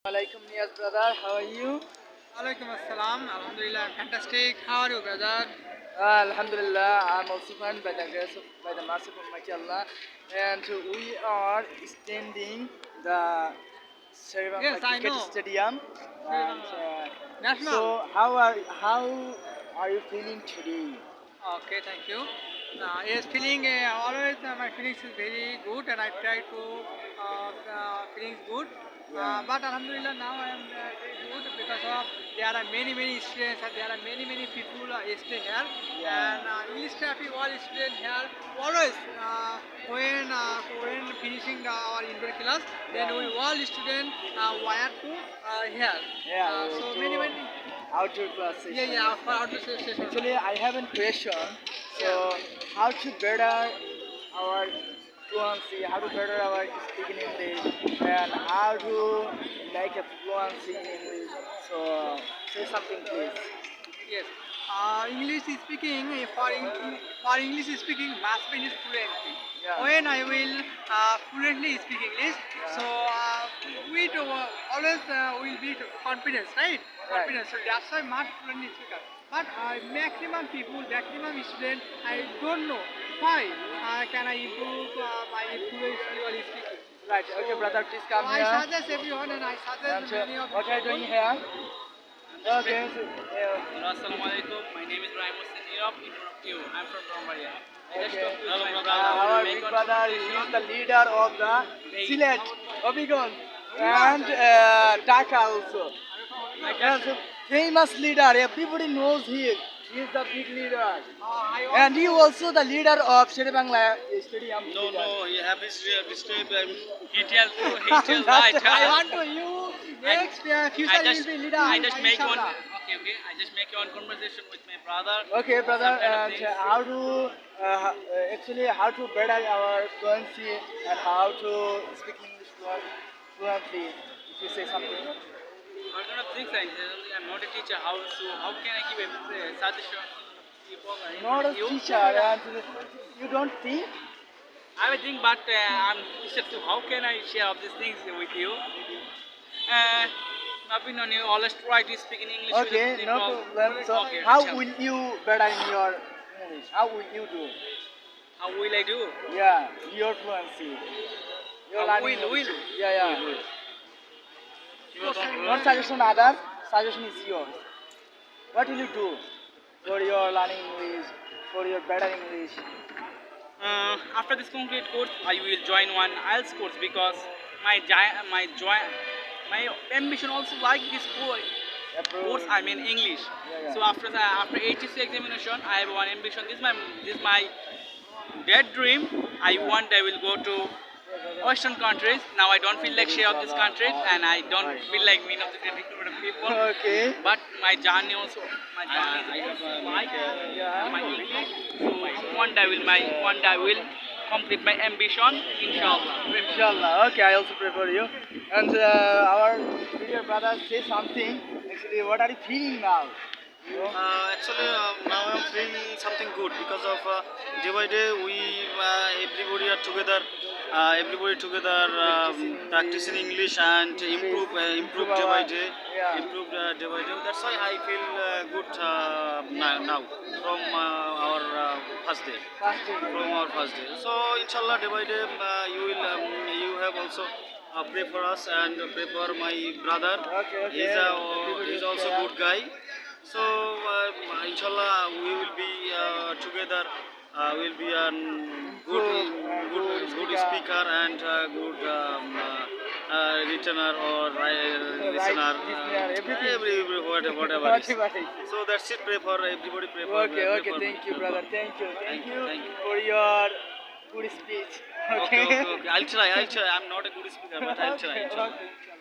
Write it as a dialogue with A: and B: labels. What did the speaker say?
A: Alaikum Niyaz brother, how are you?
B: Alaikum assalam. Alhamdulillah, fantastic. How are you, brother?
A: Alhamdulillah, I'm also fine by the grace of by the mercy of Almighty Allah, and we are standing the
B: Yes,
A: Serivanga
B: I
A: Cricket
B: know.
A: Stadium. And
B: National.
A: so, how are you feeling today?
B: Okay, thank you. Yes, feeling always my feelings is very good, and I try to feelings good.
A: Yeah,
B: But Alhamdulillah, now I am very good because of there are many students and there are many people stay here,
A: yeah,
B: and English traffic all students here always when finishing our indoor class, then
A: yeah,
B: we all students wire to here.
A: yeah.
B: So
A: To
B: many.
A: outdoor class
B: Yeah,
A: session.
B: yeah, for outdoor session.
A: Actually, I have a question.
B: Yeah.
A: So, how to better our fluency, how to better our speaking English, and how to make a fluency in English. So, say something, please.
B: Yes. English speaking for English speaking must be fluently.
A: Yeah,
B: When I will fluently speak English, so
A: yeah,
B: we do, always will be confidence, right?
A: right.
B: Confidence. So that's why must fluently speaker. But maximum people, maximum student, I don't know why can I improve my fluency or speaking.
A: Right.
B: So,
A: Okay, brother, please
B: so
A: come
B: I
A: here.
B: suggest everyone and I
A: And
B: suggest many of the
A: what are you
B: people.
A: doing here? Okay. So,
C: Assalamualaikum. My name is Rahim Hussain Nirab. Interrupt you. I'm from Brahmaria. I just
A: okay.
C: talked to my brother.
A: Our
C: Make
A: big
C: one
A: brother
C: conversation.
A: is the leader of the Silet, Obigon, and Dhaka also. Yes, a famous leader. Everybody knows him. He is the big leader. And he also the leader of Sherebangla Stadium.
C: No, no, he have his disturb. He tell
A: That's
C: right.
B: I want to you next future
C: I
B: you
C: just,
B: will be leader.
C: I just make one.
B: Inshallah.
C: Okay. I just make one conversation with my brother.
A: Okay, brother,
C: Some kind of
A: and
C: things.
A: how to actually how to better our fluency and how to speak English fluently. If you say something.
C: What kind of things I'm not a teacher. How can I give a suggestion to people?
A: Not a
C: You?
A: teacher, and you don't think?
C: I will think, but I'm interested to how can I share all these things with you? Opinion, you always try to speak in English
A: Okay,
C: with the
A: no
C: people.
A: problem. So,
C: Okay,
A: how
C: tell.
A: will you better in your English? How will you do?
C: How will I do?
A: Yeah, your fluency. Your
C: How
A: learning
C: will?
A: English. Yeah.
C: You don't
A: Not suggestion others. Suggestion is yours. What will you do for your learning English? For your better English?
C: After this concrete course, I will join one IELTS course because my ambition also like this course. I mean English.
A: Yeah.
C: So after HSC examination, I have one ambition. This my bad dream. I will go to Western countries. Now I don't feel like share of these countries, and I don't feel like mean of the different people.
A: Okay.
C: But my journey also, my journey is also my English. So one day I will complete my ambition, inshallah.
A: Inshallah. Okay, I also pray for you. And our dear brother say something. Actually, what are you feeling now? You know?
D: Actually, now I'm feeling something good because of day by day we everybody together practicing English and improve day by day,
A: Yeah.
D: improve day by day. That's why I feel good now from our first day. From our first day. So inshallah, day by day you have also pray for us and pray for my brother.
A: Okay.
D: He's also good guy. So inshallah we will be together. We'll be a good speaker and good listener or listener. Whatever is. So that's it. Pray for everybody. Pray for.
A: Okay.
D: Pray for
A: Thank
D: me.
A: you, brother. Thank you
D: Thank you.
A: for your good speech.
D: Okay. I'll try. I'm not a good speaker, but I'll try.
A: Okay.